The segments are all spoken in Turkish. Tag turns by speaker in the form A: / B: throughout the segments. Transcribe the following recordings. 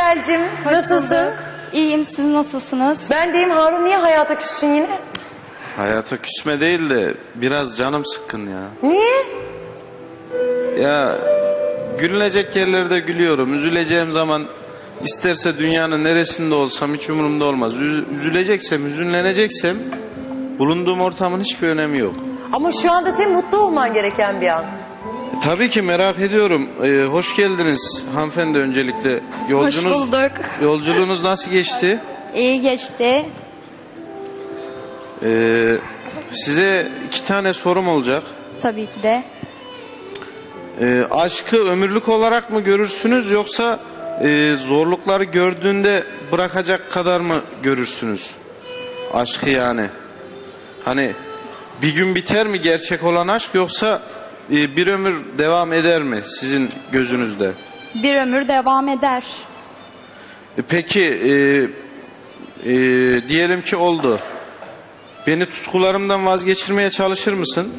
A: Sibel'cim,
B: Hoş
A: nasılsın?
B: bulduk. İyiyim, siz nasılsınız?
A: Ben deyim, Harun niye hayata küssün yine?
C: Hayata küsme değil de biraz canım sıkkın ya.
A: Niye?
C: Ya gülünecek yerlerde gülüyorum. Üzüleceğim zaman isterse dünyanın neresinde olsam hiç umurumda olmaz. Üzüleceksem, hüzünleneceksem bulunduğum ortamın hiçbir önemi yok.
A: Ama şu anda senin mutlu olman gereken bir an.
C: Tabii ki merak ediyorum. Hoş geldiniz hanımefendi öncelikle.
B: Hoş bulduk.
C: Yolculuğunuz nasıl geçti?
B: İyi geçti.
C: Size 2 tane sorum olacak.
B: Tabii ki de.
C: Aşkı ömürlük olarak mı görürsünüz yoksa zorlukları gördüğünde bırakacak kadar mı görürsünüz? Aşkı yani. Hani bir gün biter mi gerçek olan aşk yoksa bir ömür devam eder mi sizin gözünüzde?
B: Bir ömür devam eder.
C: Peki diyelim ki oldu. Beni tutkularımdan vazgeçirmeye çalışır mısın?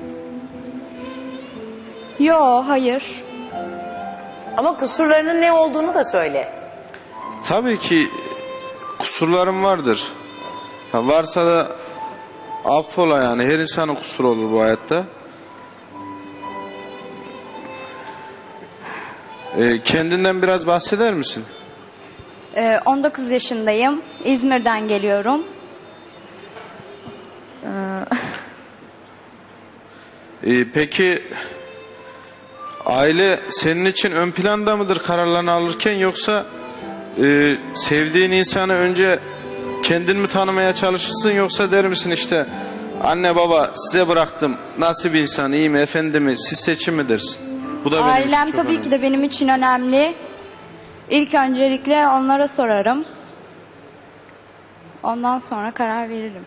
B: Yo, hayır.
A: Ama kusurlarının ne olduğunu da söyle.
C: Tabii ki kusurlarım vardır. Ha, varsa da affola yani. Her insanın kusuru olur bu hayatta. Kendinden biraz bahseder misin?
B: 19 yaşındayım. İzmir'den geliyorum.
C: Peki aile senin için ön planda mıdır kararlarını alırken yoksa sevdiğin insanı önce kendin mi tanımaya çalışırsın yoksa der misin işte anne baba size bıraktım nasıl bir insan iyi mi efendi mi siz seçim mi dersin? Bu da benim
B: Ailem
C: için çok
B: tabii
C: önemli.
B: ki de benim için önemli. İlk öncelikle onlara sorarım. Ondan sonra karar veririm.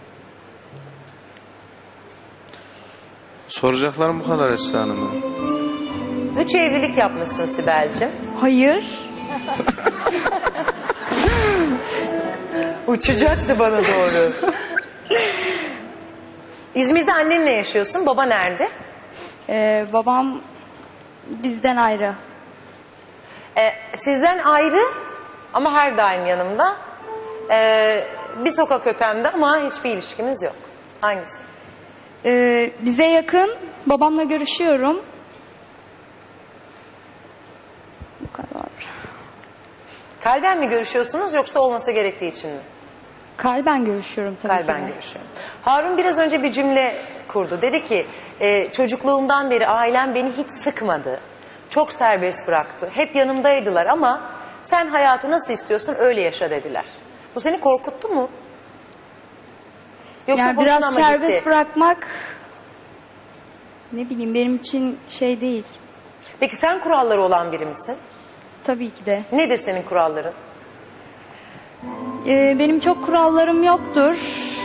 C: Soracaklarım bu kadar Esra Hanım.
A: 3 evlilik yapmışsın Sibel'cim.
B: Hayır.
A: Uçacaktı bana doğru. İzmir'de annenle yaşıyorsun. Baba nerede?
B: Babam bizden ayrı.
A: Sizden ayrı ama her daim yanımda. Bir sokak ötemde ama hiçbir ilişkimiz yok. Hangisi?
B: Bize yakın. Babamla görüşüyorum. Bu kadar.
A: Kalben mi görüşüyorsunuz yoksa olması gerektiği için mi?
B: Kalben görüşüyorum tabii ki
A: Kalben
B: de.
A: görüşüyorum. Harun biraz önce bir cümle kurdu. Dedi ki çocukluğumdan beri ailem beni hiç sıkmadı. Çok serbest bıraktı. Hep yanımdaydılar ama sen hayatı nasıl istiyorsun öyle yaşa dediler. Bu seni korkuttu mu? Yoksa
B: Yani
A: hoşuna
B: biraz
A: mı
B: serbest
A: gitti?
B: bırakmak ne bileyim benim için şey değil.
A: Peki sen kuralları olan biri misin?
B: Tabii ki de.
A: Nedir senin kuralların?
B: Benim çok kurallarım yoktur.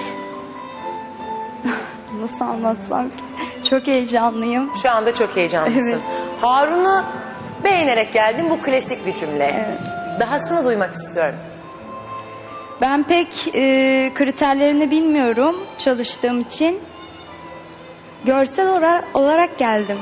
B: Nasıl anlatsam ki? Çok heyecanlıyım.
A: Şu anda çok heyecanlısın.
B: Evet.
A: Harun'u beğenerek geldin, bu klasik bir cümle.
B: Evet.
A: Dahasını duymak istiyorum.
B: Ben pek kriterlerini bilmiyorum çalıştığım için. Görsel olarak geldim.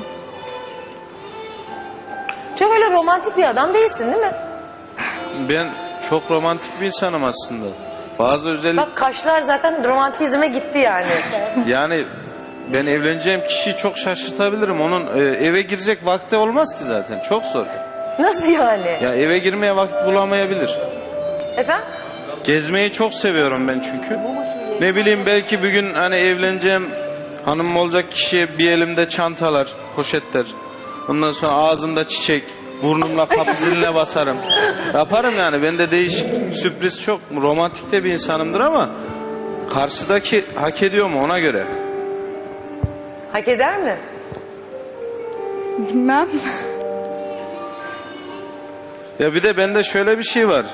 A: Çok öyle romantik bir adam değilsin değil mi?
C: Ben çok romantik bir insanım aslında. Bazı özellik
A: Bak kaşlar zaten romantizme gitti yani.
C: yani ben evleneceğim kişiyi çok şaşırtabilirim. Onun eve girecek vakti olmaz ki zaten. Çok zor.
A: Nasıl yani?
C: Ya eve girmeye vakit bulamayabilir.
A: Efendim?
C: Gezmeyi çok seviyorum ben çünkü. Ne bileyim belki bir gün hani evleneceğim hanımım olacak kişiye bir elimde çantalar, poşetler. Ondan sonra ağzımda çiçek, burnumla kapı ziline basarım. Yaparım yani. Ben de değişik, sürpriz çok romantik de bir insanımdır ama karşıdaki hak ediyor mu ona göre.
A: Hak eder mi?
B: Bilmem.
C: Ya bir de bende şöyle bir şey var.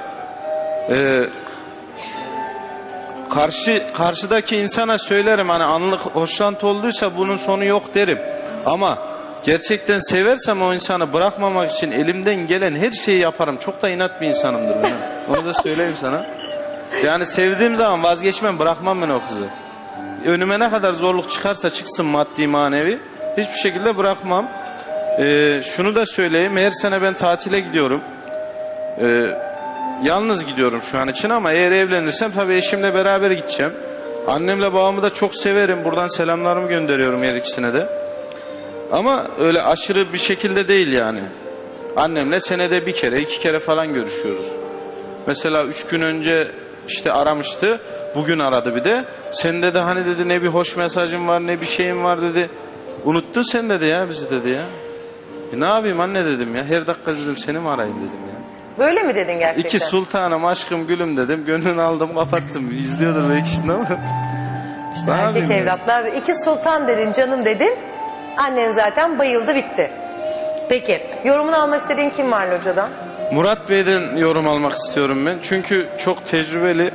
C: Karşıdaki insana söylerim hani anlık hoşlantı olduysa bunun sonu yok derim. Ama gerçekten seversem o insanı bırakmamak için elimden gelen her şeyi yaparım. Çok da inat bir insanımdır ben. Onu da söyleyeyim sana. Yani sevdiğim zaman vazgeçmem, bırakmam ben o kızı. Önüme ne kadar zorluk çıkarsa çıksın maddi manevi hiçbir şekilde bırakmam. Şunu da söyleyeyim, her sene ben tatile gidiyorum. yalnız gidiyorum şu an için ama eğer evlenirsem tabii eşimle beraber gideceğim. Annemle babamı da çok severim. Buradan selamlarımı gönderiyorum her ikisine de. Ama öyle aşırı bir şekilde değil yani. Annemle senede bir kere, 2 kere falan görüşüyoruz. Mesela 3 gün önce işte aramıştı. Bugün aradı bir de. Sen dedi hani dedi ne bir hoş mesajın var ne bir şeyin var dedi. Unuttun sen dedi ya bizi dedi ya. Ne yapayım anne dedim ya. Her dakika dedim seni mi arayayım dedim ya.
A: Böyle mi dedin gerçekten?
C: İki sultanım aşkım gülüm dedim. Gönlünü aldım kapattım. İzliyordur belki şimdi ama. İşte
A: Erkek evlatlar. 2 sultan dedin canım dedin. Annen zaten bayıldı bitti. Peki yorumunu almak istediğin kim var locadan?
C: Murat Bey'den yorum almak istiyorum ben. Çünkü çok tecrübeli.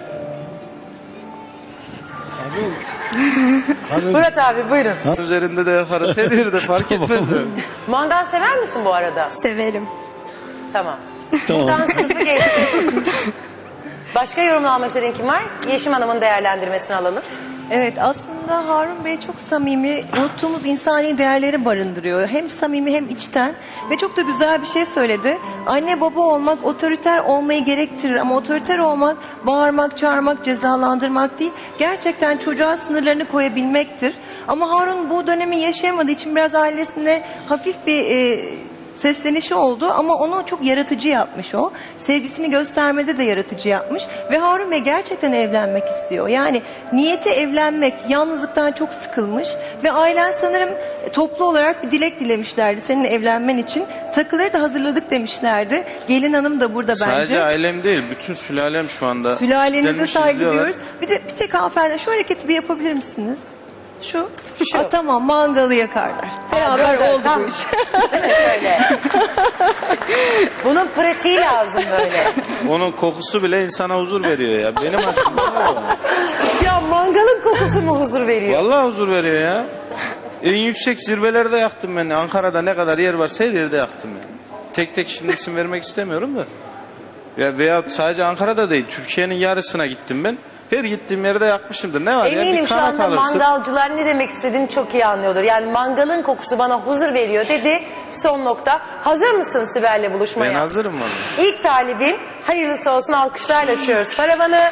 A: Murat abi buyurun.
C: Üzerinde de yaparız. Her yerde fark etmez.
A: Mangal sever misin bu arada?
B: Severim.
A: Tamam. Buradan sınıfı geçtik. Başka yorumunu almak istediğin kim var? Yeşim Hanım'ın değerlendirmesini alalım.
D: Evet, aslında Harun Bey çok samimi, unuttuğumuz insani değerleri barındırıyor. Hem samimi hem içten ve çok da güzel bir şey söyledi. Anne baba olmak otoriter olmayı gerektirir ama otoriter olmak bağırmak, çağırmak, cezalandırmak değil. Gerçekten çocuğa sınırlarını koyabilmektir. Ama Harun bu dönemi yaşayamadığı için biraz ailesine hafif bir seslenişi oldu ama onu çok yaratıcı yapmış o. Sevgisini göstermede de yaratıcı yapmış. Ve Harun Bey gerçekten evlenmek istiyor. Yani niyeti evlenmek, yalnızlıktan çok sıkılmış. Ve ailen sanırım toplu olarak bir dilek dilemişlerdi seninle evlenmen için. Takıları da hazırladık demişlerdi. Gelin hanım da burada bence.
C: Sadece ailem değil, bütün sülalem şu anda.
D: Sülalenize
C: kitlenmiş,
D: saygı
C: izliyorlar.
D: duyuyoruz. Bir tek hanımefendi şu hareketi bir yapabilir misiniz? Şu.
A: Şu.
D: Tamam, mangalı yakarlar. Beraber
A: böyle,
D: oldu
A: tam.
D: bu iş.
A: Şöyle. Bunun pratiği lazım böyle.
C: Onun kokusu bile insana huzur veriyor ya. Benim açımdan öyle.
A: Ya mangalın kokusu mu huzur veriyor?
C: Vallahi huzur veriyor ya. En yüksek zirvelerde yaktım ben. Ankara'da ne kadar yer varsa her yerde yaktım yani. Tek tek şimdi isim vermek istemiyorum da. Ya veya sadece Ankara'da değil, Türkiye'nin yarısına gittim ben. Her gittiğim yerde yakmışımdır. Ne var ya?
A: Eminim
C: Bir
A: şu
C: kanat
A: anda
C: alırsın.
A: mangalcılar ne demek istediğini çok iyi anlıyordur. Yani mangalın kokusu bana huzur veriyor dedi. Son nokta. Hazır mısın Sibel'le buluşmaya?
C: Ben hazırım vallahi.
A: İlk talibin hayırlısı olsun, alkışlarla açıyoruz paravanı.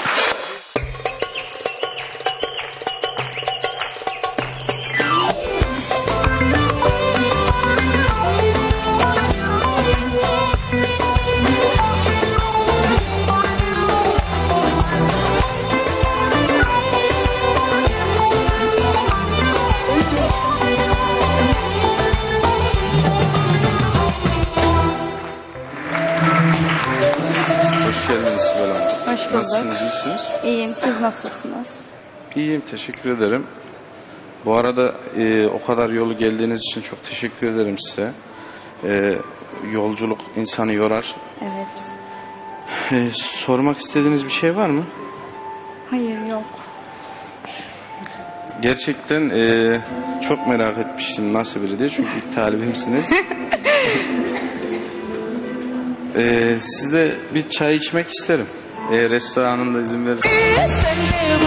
C: Hoş geldiniz Sibel Hanım.
B: Hoş bulduk.
C: Nasılsınız, iyisiniz?
B: İyiyim. Siz nasılsınız?
C: İyiyim, teşekkür ederim. Bu arada o kadar yolu geldiğiniz için çok teşekkür ederim size. Yolculuk insanı yorar.
B: Evet.
C: Sormak istediğiniz bir şey var mı?
B: Hayır, yok.
C: Gerçekten çok merak etmiştim nasıl biri diye. Çünkü ilk talibimsiniz. Sizle bir çay içmek isterim. Eğer restoranında izin verir.